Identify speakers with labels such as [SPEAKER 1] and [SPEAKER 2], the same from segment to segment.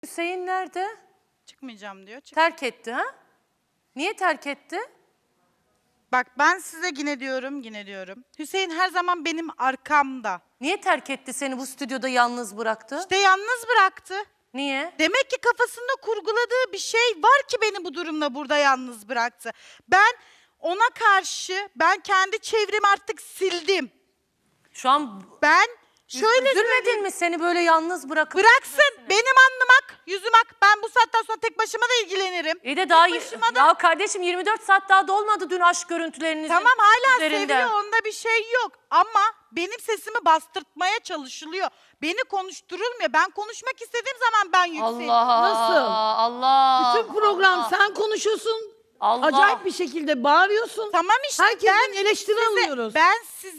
[SPEAKER 1] Hüseyin nerede?
[SPEAKER 2] Çıkmayacağım diyor.
[SPEAKER 1] Terk etti ha? Niye terk etti?
[SPEAKER 2] Bak ben size yine diyorum. Hüseyin her zaman benim arkamda.
[SPEAKER 1] Niye terk etti seni bu stüdyoda yalnız bıraktı?
[SPEAKER 2] İşte yalnız bıraktı.
[SPEAKER 1] Niye?
[SPEAKER 2] Demek ki kafasında kurguladığı bir şey var ki beni bu durumda burada yalnız bıraktı. Ben ona karşı kendi çevremi artık sildim.
[SPEAKER 1] Şu an
[SPEAKER 2] Ben şöyle
[SPEAKER 1] üzülmedin mi seni böyle yalnız bırakıp?
[SPEAKER 2] bıraksın benim alnımak, yüzüm ak. Ben bu saatten sonra tek başıma da ilgilenirim.
[SPEAKER 1] İyi de daha
[SPEAKER 2] başıma da-
[SPEAKER 1] ya kardeşim 24 saat daha dolmadı dün aşk görüntülerinizin
[SPEAKER 2] Tamam hala
[SPEAKER 1] üzerinde.
[SPEAKER 2] seviyor, onda bir şey yok. Ama benim sesimi bastırtmaya çalışılıyor. Beni konuşturulmuyor. Ben konuşmak istediğim zaman ben yükseliyorum.
[SPEAKER 1] Allah
[SPEAKER 3] Nasıl?
[SPEAKER 1] Allah.
[SPEAKER 3] Bütün program sen konuşuyorsun.
[SPEAKER 1] Allah.
[SPEAKER 3] Acayip bir şekilde bağırıyorsun.
[SPEAKER 2] Tamam işte
[SPEAKER 3] Herkesten eleştiri alıyoruz.
[SPEAKER 2] Ben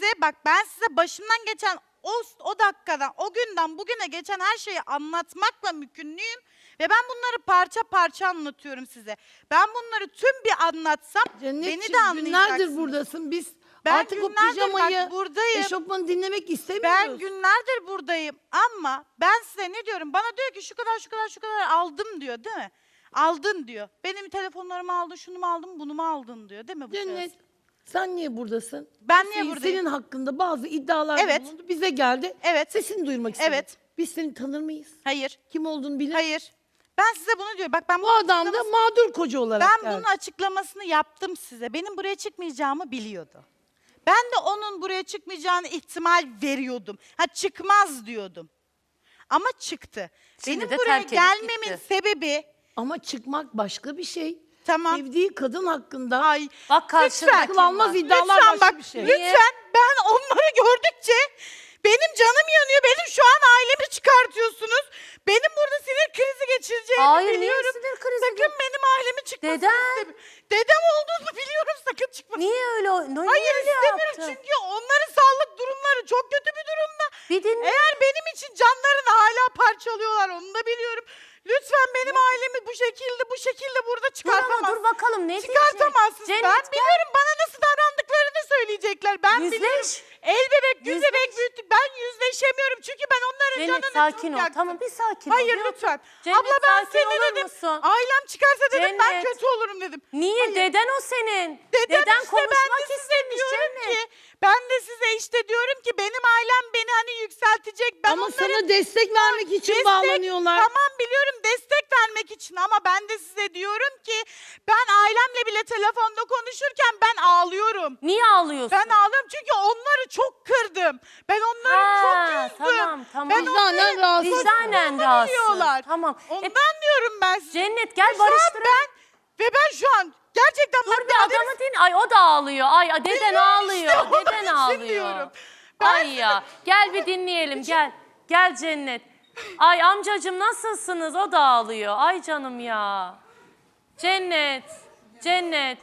[SPEAKER 2] size başımdan geçen o dakikadan, o günden bugüne geçen her şeyi anlatmakla mükümlüyüm. Ve ben bunları parça parça anlatıyorum size. Ben bunları tüm bir anlatsam beni de
[SPEAKER 3] Cennetciğim,
[SPEAKER 2] anlayacaksınız.
[SPEAKER 3] günlerdir buradasın. Biz
[SPEAKER 2] Ben
[SPEAKER 3] artık o
[SPEAKER 2] günlerdir
[SPEAKER 3] pijamayı,
[SPEAKER 2] bak buradayım.
[SPEAKER 3] eşofmanı dinlemek
[SPEAKER 2] Ben
[SPEAKER 3] istemiyoruz.
[SPEAKER 2] günlerdir buradayım ama ben size ne diyorum? Bana diyor ki şu kadar aldım diyor, değil mi? Aldın diyor. Benim telefonlarımı aldın, şunu mu aldın, bunu mu aldın diyor, değil mi bu
[SPEAKER 3] Cennet,
[SPEAKER 2] şahıs?
[SPEAKER 3] sen niye buradasın?
[SPEAKER 2] Ben niye
[SPEAKER 3] Hüseyin,
[SPEAKER 2] buradayım?
[SPEAKER 3] Senin hakkında bazı iddialar
[SPEAKER 2] Evet.
[SPEAKER 3] bulundu. Bize geldi.
[SPEAKER 2] Evet.
[SPEAKER 3] Sesini duyurmak istedik.
[SPEAKER 2] Evet.
[SPEAKER 3] Biz seni tanır mıyız?
[SPEAKER 2] Hayır,
[SPEAKER 3] Kim olduğunu bilir.
[SPEAKER 2] hayır. Ben size bunu diyorum. Bak ben
[SPEAKER 3] Bu adam da mağdur koca olarak
[SPEAKER 2] ben
[SPEAKER 3] geldi.
[SPEAKER 2] bunun açıklamasını yaptım size. Benim buraya çıkmayacağımı biliyordu. Ben de onun buraya çıkmayacağını ihtimal veriyordum. Ha çıkmaz diyordum. Ama çıktı.
[SPEAKER 1] Şimdi de
[SPEAKER 2] Benim buraya
[SPEAKER 1] terk edip
[SPEAKER 2] gelmemin
[SPEAKER 1] gitti.
[SPEAKER 2] sebebi
[SPEAKER 3] Ama çıkmak başka bir şey.
[SPEAKER 2] tamam.
[SPEAKER 3] Sevdiği kadın hakkında
[SPEAKER 2] Ay
[SPEAKER 1] Bak karşında
[SPEAKER 2] lütfen,
[SPEAKER 1] kim
[SPEAKER 3] akıl almaz
[SPEAKER 1] var?
[SPEAKER 3] iddialar
[SPEAKER 2] lütfen
[SPEAKER 3] başka
[SPEAKER 2] bak,
[SPEAKER 3] bir şey.
[SPEAKER 2] lütfen ben onları gördükçe benim canım yanıyor. Benim şu an ailemi çıkartıyorsunuz. Benim burada sinir krizi geçireceğimi
[SPEAKER 1] Hayır, niye
[SPEAKER 2] biliyorum.
[SPEAKER 1] sinir krizi?
[SPEAKER 2] Sakın benim ailemi çıkmasını
[SPEAKER 1] Deden?
[SPEAKER 2] istemiyorum. Dedem olduğunu biliyorum, sakın çıkmasın.
[SPEAKER 1] Niye öyle? Niye
[SPEAKER 2] Hayır
[SPEAKER 1] öyle
[SPEAKER 2] istemiyorum
[SPEAKER 1] yaptı?
[SPEAKER 2] çünkü onların sağlık durumları çok kötü bir durumda.
[SPEAKER 1] Bir dinle.
[SPEAKER 2] Eğer benim için canlarını hala parçalıyorlar, onu da biliyorum. Lütfen benim ailemi bu şekilde burada
[SPEAKER 1] Dur ama
[SPEAKER 2] çıkartamazsın.
[SPEAKER 1] dur bakalım ne
[SPEAKER 2] Çıkartamazsın.
[SPEAKER 1] diyecek?
[SPEAKER 2] Ben
[SPEAKER 1] Cennet, gel.
[SPEAKER 2] biliyorum bana nasıl davrandıklarını söyleyecekler. Ben
[SPEAKER 1] Yüzleş.
[SPEAKER 2] biliyorum. El bebek, güz
[SPEAKER 1] Yüzleş.
[SPEAKER 2] bebek büyüttük. Ben yüzleşemiyorum çünkü ben onların
[SPEAKER 1] Cennet
[SPEAKER 2] canını
[SPEAKER 1] sakin
[SPEAKER 2] çok
[SPEAKER 1] ol.
[SPEAKER 2] yaktım.
[SPEAKER 1] Tamam bir sakin ol.
[SPEAKER 2] Hayır
[SPEAKER 1] Bir
[SPEAKER 2] lütfen.
[SPEAKER 1] otur. Cennet,
[SPEAKER 2] Abla ben
[SPEAKER 1] sakin
[SPEAKER 2] seni
[SPEAKER 1] olur
[SPEAKER 2] dedim.
[SPEAKER 1] musun?
[SPEAKER 2] Ailem çıkarsa dedim ben
[SPEAKER 1] Cennet.
[SPEAKER 2] kötü olurum dedim.
[SPEAKER 1] Niye?
[SPEAKER 2] Hayır.
[SPEAKER 1] Deden o senin.
[SPEAKER 2] Deden işte
[SPEAKER 1] konuşmak
[SPEAKER 2] ben de size
[SPEAKER 1] istemiş
[SPEAKER 2] diyorum
[SPEAKER 1] Cennet.
[SPEAKER 2] ki, ben de size işte diyorum ki benim ailem beni hani yükseltecek. Ben
[SPEAKER 3] Ama
[SPEAKER 2] onların
[SPEAKER 3] sana destek vermek için bağlanıyorlar.
[SPEAKER 2] Tamam biliyorum destek vermek için ama ben de size diyorum ki ben ailemle bile telefonda konuşurken ben ağlıyorum.
[SPEAKER 1] Niye ağlıyorsun?
[SPEAKER 2] Ben ağlıyorum çünkü onları çok kırdım. Ben onları çok üzdüm.
[SPEAKER 1] Tamam.
[SPEAKER 2] Ben
[SPEAKER 3] Vicdanen rahatsız.
[SPEAKER 1] Vicdanen
[SPEAKER 2] onları
[SPEAKER 1] rahatsız.
[SPEAKER 2] biliyorlar.
[SPEAKER 1] Tamam.
[SPEAKER 2] Ondan diyorum ben size.
[SPEAKER 1] Cennet gel
[SPEAKER 2] Şu an
[SPEAKER 1] barıştıralım.
[SPEAKER 2] ben şu an gerçekten
[SPEAKER 1] Dur
[SPEAKER 2] bak
[SPEAKER 1] bir adamı din. Ay o da ağlıyor. Ay deden
[SPEAKER 2] Biliyorum
[SPEAKER 1] ağlıyor.
[SPEAKER 2] işte, onun
[SPEAKER 1] Deden
[SPEAKER 2] için
[SPEAKER 1] ağlıyor.
[SPEAKER 2] diyorum. Ben
[SPEAKER 1] Ay ya. Gel bir dinleyelim gel. Gel Cennet. Ay amcacığım nasılsınız? O da ağlıyor. Ay canım ya. Cennet. Cennet.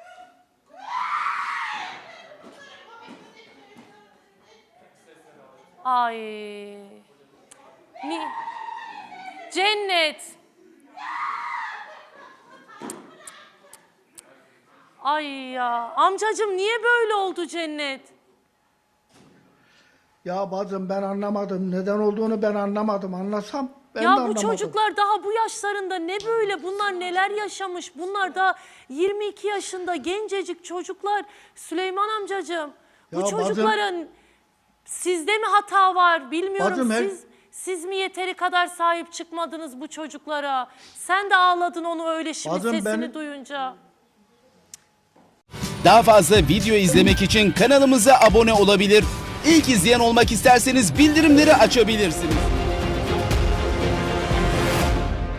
[SPEAKER 1] Ay. Cennet. Ay ya. Amcacığım niye böyle oldu Cennet?
[SPEAKER 4] Ya bacım ben anlamadım. Neden olduğunu ben anlamadım. Anlasam ben de
[SPEAKER 1] Ya bu
[SPEAKER 4] anlamadım.
[SPEAKER 1] çocuklar daha bu yaşlarında ne böyle? Bunlar neler yaşamış? Bunlar da 22 yaşında gencecik çocuklar. Süleyman amcacığım, bu
[SPEAKER 4] Ya
[SPEAKER 1] çocukların sizde mi hata var bilmiyorum.
[SPEAKER 4] Bacım,
[SPEAKER 1] Siz mi yeteri kadar sahip çıkmadınız bu çocuklara? Sen de ağladın onu öyle şimdi
[SPEAKER 4] Bacım,
[SPEAKER 1] sesini duyunca.
[SPEAKER 5] Daha fazla video izlemek için kanalımıza abone olabilir. İlk izleyen olmak isterseniz bildirimleri açabilirsiniz.